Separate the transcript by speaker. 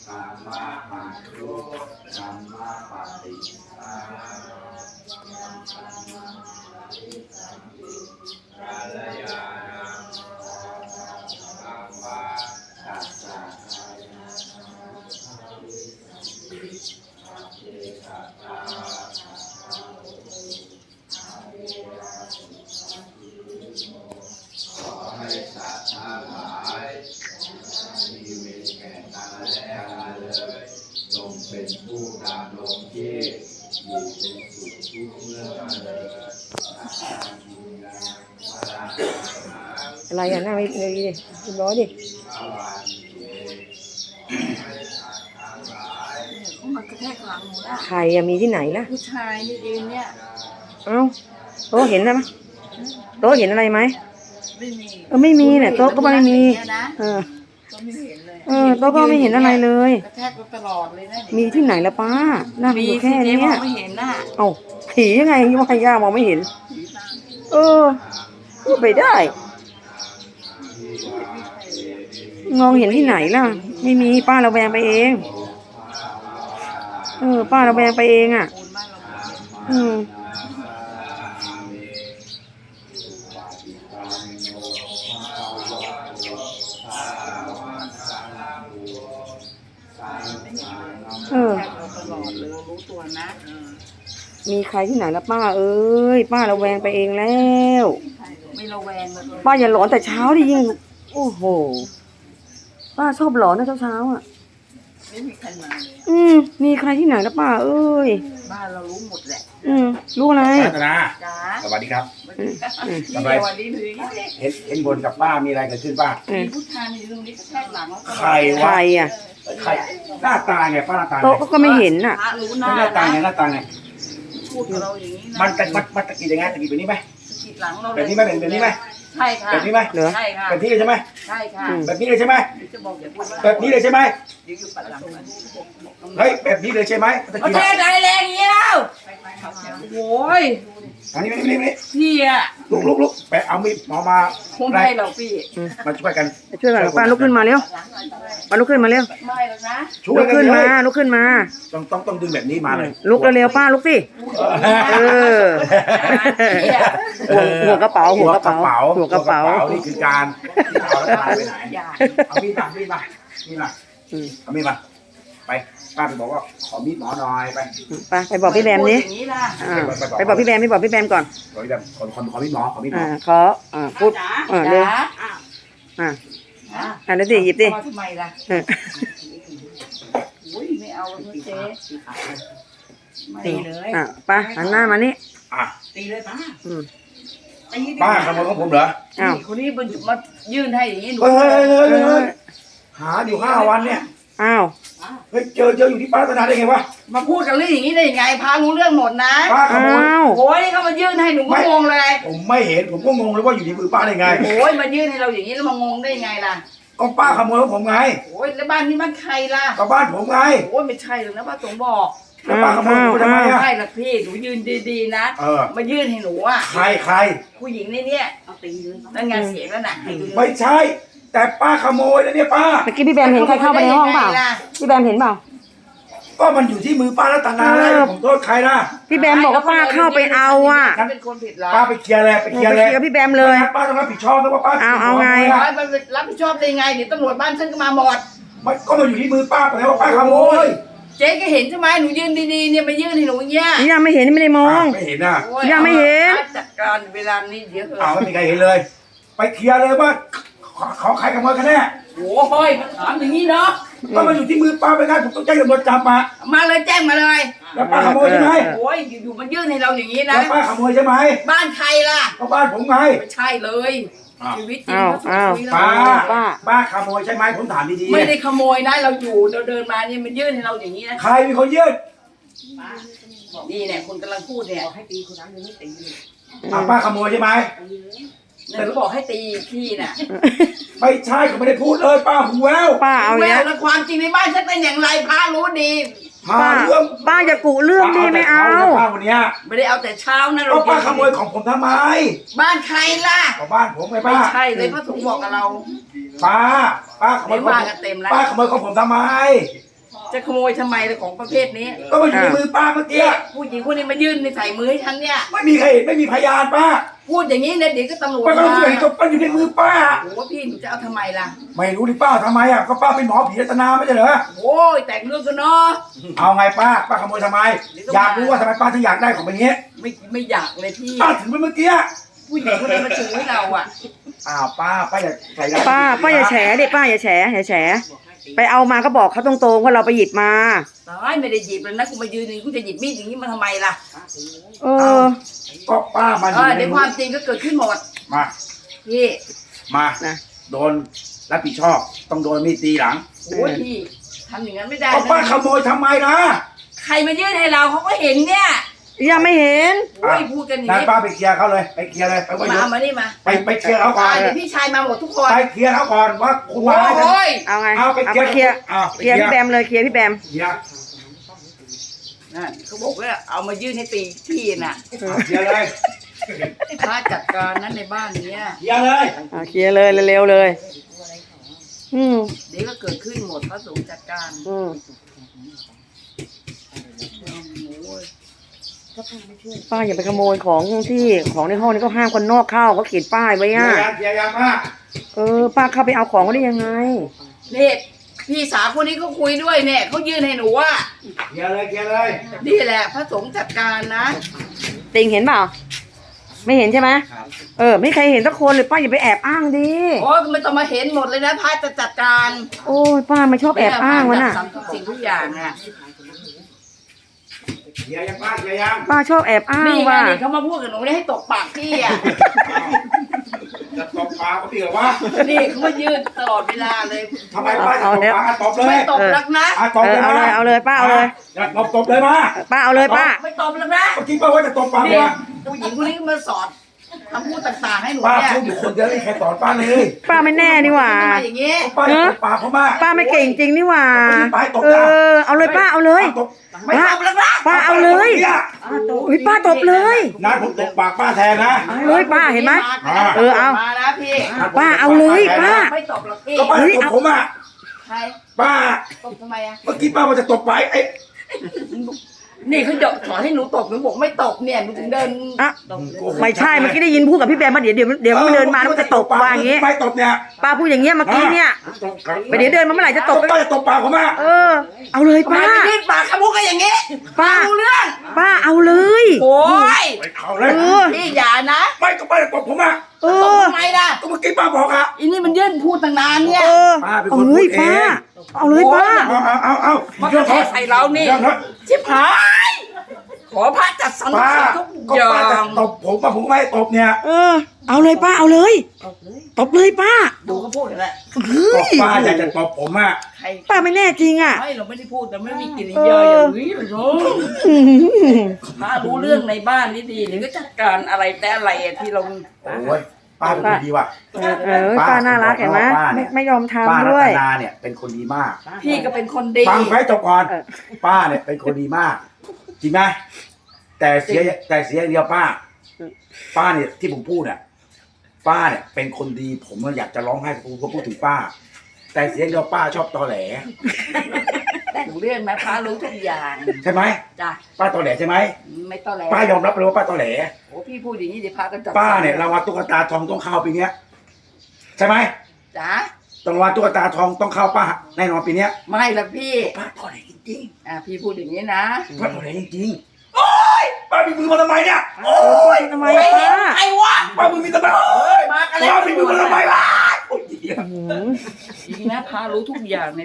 Speaker 1: ธรรมะหันตุธรรมะปฏิภาณกัลยาณังสัมมาสัจจาขอให้สัตว์ทั้งหลายมีเวรแก่กันและกันเลยจงเป็นผู้ดำรงชีพอยู่เป็นสุขทุกเมื่อกันเลย
Speaker 2: อะไรอ่ะนั่งเลยดิคุณร้อยดิ
Speaker 3: มันกระแทกหลังหนูนะ
Speaker 2: ใครอะมีที่ไหนล่ะ
Speaker 3: ผู้ชายนี่เองเนี่ย
Speaker 2: เอ้าโต๊ะเห็นไหมโต๊ะเห็นอะไรไหม
Speaker 3: ไม่มี
Speaker 2: ไม่มีเนี่ยโต๊ะก็ไม่มีเออ
Speaker 3: ก็ไม่เห็นเลย
Speaker 2: โต๊ะก็ไม่เห็นอะไรเลย
Speaker 3: กระแทกตลอดเลยนะ
Speaker 2: มีที่ไหนละป้านั่งอยู่แค่นี้
Speaker 3: มองไม่เห็นน่ะ
Speaker 2: เอ้าผียังไงว่าย่ามองไม่เห็น พูดไปได้มองเห็นที่ไหนล่ะไม่มีป้าระแวงไปเองป้าระแวงไปเองอ่ะ
Speaker 3: ตลอดเลยรู้ตัวนะ
Speaker 2: มีใครที่ไหนละป้าเอ้ยป้าระแวงไปเองแล้ว
Speaker 3: ไม่ระแวงเลย
Speaker 2: ป้าอย่าหลอนแต่เช้าดิยิ่งโอ้โหป้าชอบหลอนนะเช้าอ่ะ
Speaker 3: ไม่มีใครมาเลย
Speaker 2: มีใครที่ไหนละป้าเอ้ย
Speaker 3: บ้านเรารู้หมดแหละ
Speaker 2: รู้อะไร
Speaker 4: รัตนา
Speaker 3: จ้า
Speaker 4: สวัสดีครับ
Speaker 3: สบายวันนี้เลย
Speaker 4: เห็นบนกับป้ามีอะไรเกิดขึ้นป้า
Speaker 3: มีผู้ชายในตรงนี้กระแทกหลังแล้วก็
Speaker 4: ใคร
Speaker 2: ใคว
Speaker 4: ะ
Speaker 2: รอ่ะ
Speaker 4: ใครหน้าตาไงป้าหน้าตาไง
Speaker 2: โต๊ะก็ไม่เห็นอ่ะ
Speaker 3: พระรู้หน้า
Speaker 4: หน้าตาไงหน้าตาไง
Speaker 3: พูดกับเราอย่างนี้นะ
Speaker 4: มันตะกี้ยังไงตะกี้แบบนี้ไหม
Speaker 3: ขีดหลังเรา
Speaker 4: แบบนี้ไหมแบบนี้ไหม
Speaker 3: ใช่ค่ะ
Speaker 4: แบบนี้ไหม
Speaker 2: เหรอ
Speaker 3: ใช่ค่ะ
Speaker 4: แบบนี้เลยใช่ไหม
Speaker 3: ใช่ค่ะ
Speaker 4: แบบนี้เลยใช่ไหม
Speaker 3: จะบอกอย่าพูดว่า
Speaker 4: แบบนี้เลยใช่ไหม
Speaker 3: เดี๋ยวอยู่ปัดหลังมัน
Speaker 4: เฮ้ยแบบนี้เลยใช่ไหมตะ
Speaker 3: ประ
Speaker 4: กี้
Speaker 3: เท
Speaker 4: นะ
Speaker 3: ศไหนแรงเงี้ยวโอ้ย
Speaker 4: อันนี้นี่
Speaker 3: พี่อะ
Speaker 4: ลุกไปเอามีดหมอมา
Speaker 3: คงให้เราพี่
Speaker 4: มาช่วยกัน
Speaker 2: ช่วยกันป้าลุกขึ้นมาเร็วป้าลุกขึ้นมาเร็ว
Speaker 3: ไม่แล้วนะ
Speaker 4: ช่ว
Speaker 2: ลุ
Speaker 4: ย
Speaker 2: ก
Speaker 4: กัน
Speaker 2: ขึ้น
Speaker 4: เล
Speaker 2: มาย ลุกขึ้นมา
Speaker 4: ต้องดึงแบบนี้มาเลย
Speaker 2: ลุกเร็วๆป้าลุกสิหัวกระเป๋าหัวกระเป๋าหัวกระเป๋า
Speaker 4: นี่คือการที่เอาแล้วไปไหนเอามีดมาเอามีดมาไปป้าไปบอกว่าขอมีดหมอหน่อยไป
Speaker 2: ไปบอกพี่แบมนี้
Speaker 3: อย่างนี้ล่ะ
Speaker 2: ไปบอกพี่แบมก่อน
Speaker 4: ขอมีดแบบขอมีดหมอขอมีดหมอ
Speaker 2: ขอพูดเร็วแล้วดิหยิบดิ
Speaker 3: ทำไมล่ะอุ้ยไม่เอาเจ๊ตีเลย
Speaker 2: ป้าหันหน้ามานี่
Speaker 4: อ่ะ
Speaker 3: ตีเลยป้า
Speaker 4: ป้าขโมยของผมเหรอ
Speaker 3: คนนี้มันมายื่นให้อย่างนี้หนู
Speaker 4: เฮ้ยหาอยู่5 วันเนี่ย
Speaker 2: อ้าว
Speaker 4: เฮ้ยเจออยู่ที่ป้ารัตนาได้ไงวะ
Speaker 3: มาพูดกันเรื่องอย่างนี้ได้ยังไงพารู้เรื่องหมดนะ
Speaker 4: ป้าขโมย
Speaker 3: โอ้ยเขามายื่นให้หนูก็งงเลย
Speaker 4: ผมไม่เห็นผมก็งงเลยว่าอยู่ในมือป้าได้ไง
Speaker 3: โอ้ยมายื่นให้เราอย่างนี้แล้วมางงได้ยังไงล่ะ
Speaker 4: ก็ป้าขโมยของผมไง
Speaker 3: โอ้ยแล้วบ้านนี้บ้านใครล่ะ
Speaker 4: ก็บ้านผมไง
Speaker 3: โอ้ยไม่ใช่หรอกนะป้าสงบอก
Speaker 4: แล้วป้าขโมยผมทำไมอ่ะ
Speaker 3: ใช่ละพี่หนูยืนดีๆนะ มายื่นให้หนูอ่ะ
Speaker 4: ใคร
Speaker 3: ผู้หญิงในเนี้ยเอาตีเลยนั่นไงเสียงแล้วน่ะ
Speaker 4: ไม่ใช่ แต่ป้าขโมยแล้วเนี่ยป้า
Speaker 2: เมื่อกี้พี่แบมเห็นใครเข้าไปในห้องเปล่าพี่แบมเห็นเปล่า
Speaker 4: ก็มันอยู่ที่มือป้ารัตนาเลยผมโทษใครนะ
Speaker 2: พี่แบมบอกว่าป้าเข้าไปเอาอ่ะ
Speaker 3: ฉันเป็นคนผิดเหรอ
Speaker 4: ป้าไปเคลียร์เลยไปเคลียร์เลย
Speaker 2: กับพี่แบมเลย
Speaker 4: ป้าต้องรับผิดชอบนะว่าป้า
Speaker 2: เอาไง
Speaker 3: ร้อยมันรับผิดชอบได้ไงเดี๋ยวตำรวจบ้านฉันก็มาหมด
Speaker 4: มันก็มาอยู่ที่มือป้าไปแล้วว่าป้าขโมย
Speaker 3: เจ๊ก็เห็นใช่ไหมหนูยืนดีๆเนี่ยมายื่นให้หนูอย่างเงี้ย
Speaker 2: ยังไม่เห็นไม่ได้มอง
Speaker 4: ไม่เห็นอ่ะ
Speaker 3: โอ้
Speaker 2: ยังไม่เห็น
Speaker 3: จัดการเวลานี้เดี๋ยวเถ
Speaker 4: อ้าว
Speaker 3: อะ
Speaker 4: ไม่มีใครเห็นเลย ไปเคลียร์เลยว่าเขาใครขโมยกันแน่
Speaker 3: โอ้ยมาถามอย่างนี้เนาะ
Speaker 4: ก็มาอยู่ที่มือป้าไปงั้นผมต้องแจ้งตำรวจจับมา
Speaker 3: มาเลยแจ้งมาเลย
Speaker 4: แล้วป้าขโมยใช่ไหม
Speaker 3: โอ้ยอยู่ๆมายื่นให้เราอย่างนี้
Speaker 4: แล้
Speaker 3: นะ
Speaker 4: วป้าขโมยใช่ไหม
Speaker 3: บ้านใครล่ะ
Speaker 4: ก็บ้านผมไง
Speaker 3: ไม่ใช่เลยชีวิตจริงเขา
Speaker 2: อ้าว
Speaker 3: คุย
Speaker 4: ป้า
Speaker 3: เรา
Speaker 4: ป้าขโมยใช่ไหมผมถามดีๆ
Speaker 3: ไม่ได้ขโมยนะเราอยู่เราเดินมาเนี่ยมันยื่นให้เราอย่างนี้นะ
Speaker 4: ใครเป็นคนยื่น
Speaker 3: นี่เนี่ยคนกำลังพูดเนี่ยให้ตีคนนั้นยังไม่ตี
Speaker 4: ป้าขโมยใช่ไหม
Speaker 3: แต่ก็บอกให้ตีพี่น่ะ
Speaker 4: ไม่ใช่เขาไม่ได้พูดเลยป้าหูแวว
Speaker 2: ป้าเอา
Speaker 3: แว
Speaker 2: เนี้ยว
Speaker 3: แล้วความจริงในบ้านฉันเป็นอย่างไรพารู้ดี
Speaker 4: หาเรื่อง
Speaker 2: ป้าอย่ากุเรื่องดิไม่เอา
Speaker 4: ป้าวันเนี้ย
Speaker 3: ไม่ได้เอาแต่เช้านะ
Speaker 4: ก็ป้าขโมยของผมทำไม
Speaker 3: บ้านใครล่ะ
Speaker 4: ก็บ้านผมไง
Speaker 3: ไม่
Speaker 4: ป้า
Speaker 3: ใช่เลยพระสงฆ์บอกกับเรา
Speaker 4: ป้าขโมยของ
Speaker 3: เดี๋ยวมากันเต็มแล้ว
Speaker 4: ป้าขโมยของผมทำไม
Speaker 3: จะขโมยทำไมเลยของประเภทนี้
Speaker 4: ก็มันอยู่ในมือป้าเมื่อกี้
Speaker 3: เนี่ยผู้หญิงคนนี้มายื่นในใส่มือให้ฉันเนี่ย
Speaker 4: ไม่มีใครเห็นไม่มีพยานป้า
Speaker 3: พูดอย่างนี้เนี่ยเดี๋ยวก็ตำรวจ
Speaker 4: ป้าก็
Speaker 3: มา
Speaker 4: รู้เห็นก็มันอยู่ในมือป้า
Speaker 3: โอ้พี่หนูจะเอาทำไมล่ะ
Speaker 4: ไม่รู้ดิป้าทำไมอ่ะก็ป้าเป็นหมอผีรัตนาไม่ใช่เหรอ
Speaker 3: โอ้ยแต่งเรื่องกันเนาะ
Speaker 4: เอาไงป้าขโมยทำไม อยากรู้ว่าทำไมป้าถึงอยากได้ของแบบนี้
Speaker 3: ไม่อยากเลยพี่
Speaker 4: ป้าถึงไปเมื่อกี้
Speaker 3: ผู้หญิงคนนี้มาจูให้เราอ่ะ
Speaker 4: อ้าวป้าอย่าใส่ร้าย
Speaker 2: ป้าอย่าแฉดิป้าอย่าแฉไปเอามาก็บอกเขาตรงๆว่าเราไปหยิบมา
Speaker 3: ตายไม่ได้หยิบเลยนะกูมายืนนี่กูจะหยิบมีดอย่างนี้มาทำไมล่ะ
Speaker 2: เออ
Speaker 4: ก็ป้ามันอยู่ใน
Speaker 3: เดี๋ยวความจริงก็เกิดขึ้นหมด
Speaker 4: มา
Speaker 3: พี่
Speaker 4: มา
Speaker 2: นะ
Speaker 4: โดนรับผิดชอบต้องโดนมีดตีหลัง
Speaker 3: โอ้ยพี่ทำอย่างนั้นไม่ได้
Speaker 4: ก็ป้า
Speaker 3: นะ
Speaker 4: ขโมยทำไมนะ
Speaker 3: ใครมายื่นให้เราเขาก็เห็นเนี่ย
Speaker 2: ยังไม่เห็น
Speaker 3: โอ้ยพูดกันอย่าง
Speaker 4: นาย
Speaker 3: นี้
Speaker 4: ป้าไปเคลียร์เขาเลยไปเคลียร์เลยไปว่า
Speaker 3: มานี่มา
Speaker 4: ไปเคลียร์เขาก่อน
Speaker 3: เดี๋ยวพี่ชายมาหมดทุกคน
Speaker 4: ไปเคลียร์เขาก่อนว่าคุณ
Speaker 3: โอ้
Speaker 4: มาให้ฉัน
Speaker 3: ย
Speaker 2: เอาไง
Speaker 4: เอาไป
Speaker 2: เอา
Speaker 4: เคลี
Speaker 2: ไป
Speaker 4: ยร์
Speaker 2: เคลียร์
Speaker 4: เอา
Speaker 2: เคลียร์พี่แบมเลยเคลียร์พี่แบม
Speaker 4: เคลียร์
Speaker 3: นั่นเขาบอกว่าเอามายื่นให้ตีพี่น่ะ
Speaker 4: เคลียร์เลย
Speaker 3: พระจัดการนั้นในบ้านเนี้ย
Speaker 4: เคลียร์เลย
Speaker 2: เคลียร์เลยเร็วๆเลย อืม
Speaker 3: เดี๋ยวก็เกิดขึ้นหมดพระสงฆ์จัดการ
Speaker 2: อืม
Speaker 3: โอ้ย
Speaker 2: ป้าอย่าไปขโมยของที่ของในห้องนี้ก็ห้ามคนนอกเข้าเขาเขียนป้ายไว้
Speaker 4: เคลีย
Speaker 2: อ่ะ
Speaker 4: ร์ยังเคลียร์ยังป้า
Speaker 2: ป้าเข้าไปเอาของเขาได้ยังไง
Speaker 3: นี่พี่สาวคนนี้เขาคุยด้วยเนี่ยเขายื่นให้หนูว่า
Speaker 4: เคลียร์เลยเคลียร์เลย
Speaker 3: นี่แหละพระสงฆ์จัดการนะ
Speaker 2: ติงเห็นเปล่าไม่เห็นใช่ไหมไม่มีใครเห็นสักคนเลยป้าอย่าไปแอบอ้างดิ
Speaker 3: โอ้ยมันต้องมาเห็นหมดเลยนะพระจะจัดการ
Speaker 2: โอ้ยป้าไม่ชอบแอบอ้างวะน่ะ
Speaker 3: ทำทุกสิ่งทุกอย่างอ่ะ
Speaker 4: เคลียร์ยังป้าเคลียร์ยัง
Speaker 2: ป้าชอบแอบอ้าง
Speaker 3: นี่ไง
Speaker 2: ว่ะ
Speaker 3: นี่เขามาพูดกับหนูให้ตกปากพี่อ่ะ
Speaker 4: จะตบปากเขาตีเหรอวะ
Speaker 3: นี่เขามายืนตลอดเวลาเลย
Speaker 4: ทำไมป้าจะตบปากตบเล
Speaker 3: ไม่
Speaker 4: ย
Speaker 3: ตบหรักนะ
Speaker 4: ตบเลยมา
Speaker 2: เอาเลยป้าเอาเลย
Speaker 4: อย่าตบเลยมา
Speaker 2: ป้าเอาเลยป้า
Speaker 3: ไม่ตบหรักนะ
Speaker 4: เมื่อกี้ป้าว่าจะตบปาก
Speaker 3: นี่
Speaker 4: วะ
Speaker 3: ผู้หญิงคนนี้ก็มาสอนคำพูดต่างๆให้หนู
Speaker 4: ป้า
Speaker 3: เนี่ย
Speaker 4: พูดอยู่คนเดียวไม่มีใครสอนป้าเลย
Speaker 2: ป้าไม่แน่นี่หว่า
Speaker 3: ทำไมอย่างงี้
Speaker 4: ป้าจะตบปากเขามา
Speaker 2: ป้าไม่เก่งจริงนี่หว่า
Speaker 4: ป้าตบนะ
Speaker 2: เอาเลยป้าเอาเลย
Speaker 4: ตบ
Speaker 3: ไม่ตบหรักนะ
Speaker 2: ป้าเอาเลย
Speaker 4: เนี่ย
Speaker 2: เฮ้ยป้าตบเลย
Speaker 4: นัดผมตบปากป้าแทนนะ
Speaker 2: เอาเลยป้าเห็นไหม เออเอา
Speaker 3: มานะพี่
Speaker 2: ป้าเอาเลยป้า
Speaker 3: ไม่ตบหรอกพี่
Speaker 4: ก็ป้าจะตบผมอ่ะ
Speaker 3: ใคร
Speaker 4: ป้า
Speaker 3: ตบทำไมอ่ะ
Speaker 4: เมื่อกี้ป้าว่าจะตบไปไอ้
Speaker 3: นี่เขาสอนให้หนูตบหนูบอกไม่ตบเนี่ยหนูถึงเดิน
Speaker 2: อ่ะไม่ใช่เมื่อกี้ได้ยินพูดกับพี่แบมมาเดี๋ยวมันเดินมาแล้วมันจะตบว่าอย่างงี้
Speaker 4: ไม่ตบเนี่ย
Speaker 2: ป้าพูดอย่างเงี้ยเมื่อกี้เนี่ยไปเดี๋ยวเดินมาเมื่อไหร่จะตบ
Speaker 4: ป้าจะตบปากผมอ่ะ
Speaker 2: เอาเลย
Speaker 3: ทำไม
Speaker 2: ป้า
Speaker 3: ไปยื่นปากขมุกกันอย่างงี้
Speaker 2: ป้า
Speaker 3: รู้เรื่อง
Speaker 2: ป้าเอาเลย
Speaker 3: โอ้ย
Speaker 4: ไปเขาเลย
Speaker 3: พี่อย่านะ
Speaker 4: ไม่ก็ป้าจะตบผมอ่ะ
Speaker 2: เอ
Speaker 3: ตบ
Speaker 2: อ
Speaker 3: ทำไมล่ะ
Speaker 4: ก็เมื่อกี้ป้าบอกอ่ะ
Speaker 3: อีนี่มันยื่นพูดตั้งนานเนี่ย
Speaker 4: ป้าเป็น
Speaker 2: เอา
Speaker 4: คน
Speaker 2: เล
Speaker 4: พู
Speaker 2: ย
Speaker 4: ดเอ
Speaker 2: ป้าง เอาเลยป้า
Speaker 4: เอา
Speaker 3: มันก็แค่ใส่เรานี่ ชิบหายขอพระจัดสรร
Speaker 4: ป้า
Speaker 3: ทุก
Speaker 4: ก็
Speaker 3: อย่า
Speaker 4: ป้าจะ
Speaker 3: ง
Speaker 4: ตบผมป้าผมไม่ให้ตบเนี่ย
Speaker 2: เอาเลยป้าเอาเลยตบเลยป้า
Speaker 3: ดูเขาพูดกันแหละ
Speaker 2: เฮ้
Speaker 4: ก็
Speaker 2: ย
Speaker 4: ป้าอยากจะตบผมอ่ะ
Speaker 3: ใคร
Speaker 2: ป้าไม่แน่จริงอ่ะ
Speaker 3: ไม่เราไม่ได้พูดแต่ไม่มีกิริยาอย่างนี้เลยเนาะพระรู้เรื่องในบ้านนี่ดีเดี๋ยวก็จัดการอะไรแต่อะไรอะที่เรา
Speaker 4: โอ้ยป้าเป็นคนดีว่ะ
Speaker 2: ป้าน่ารักเห็นไหม
Speaker 4: ป้าเนี่ย
Speaker 2: ไม่ยอม
Speaker 4: ป้า
Speaker 2: ทำ
Speaker 4: รั
Speaker 2: ด้วย
Speaker 4: ตนาเนี่ยเป็นคนดีมาก
Speaker 3: พี่ก็เป็นคนดี
Speaker 4: ฟังไว้จบก่อน
Speaker 2: เออ
Speaker 4: ป้าเนี่ยเป็นคนดีมาก จริงไหมแต่เสียอย่างเดียวป้า ป้าเนี่ยที่ผมพูดเนี่ยป้าเนี่ยเป็นคนดีผมอยากจะร้องไห้ผมก็พูดถึงป้า แต่เสียอย่างเดียวป้าชอบตอแหล
Speaker 3: แต่งเรื่องนะพระรู้ทุกอย่าง
Speaker 4: ใช่ไหม
Speaker 3: จ้ะ
Speaker 4: ป้าตอแหลใช่ไหม
Speaker 3: ไม่ต้องแหล
Speaker 4: ป้ายอมรับเลยว่าป้าตอแหล
Speaker 3: โอ้พี่พูดอย่างนี้เดี๋ยวพระก็จัด
Speaker 4: ป้าเนี่ยรางวัลตุ๊กตาทองต้องเข้าปีเนี้ยใช่ไหม
Speaker 3: จ้ะ
Speaker 4: รางวัลตุ๊กตาทองต้องเข้าป้าแน่นอนปีเนี้ย
Speaker 3: ไม่ละพี่
Speaker 4: ป้าตอแหลจริง
Speaker 3: พี่พูดอย่างนี้นะ
Speaker 4: ๆป้าตอแหลจริงๆโอ๊ยป้ามีมือมาทำไมเนี่ยโอ๊ย
Speaker 2: ทำไม
Speaker 3: ไม่เห็น
Speaker 2: ป้า
Speaker 3: ใครวะ
Speaker 4: ป้ามือมีทำไมโอ๊ย
Speaker 3: มากันแล้ว
Speaker 4: ป้ามีมือมาทำไมล่ะโอ๊ย
Speaker 3: จริงนะพระรู้ทุกอย่างใน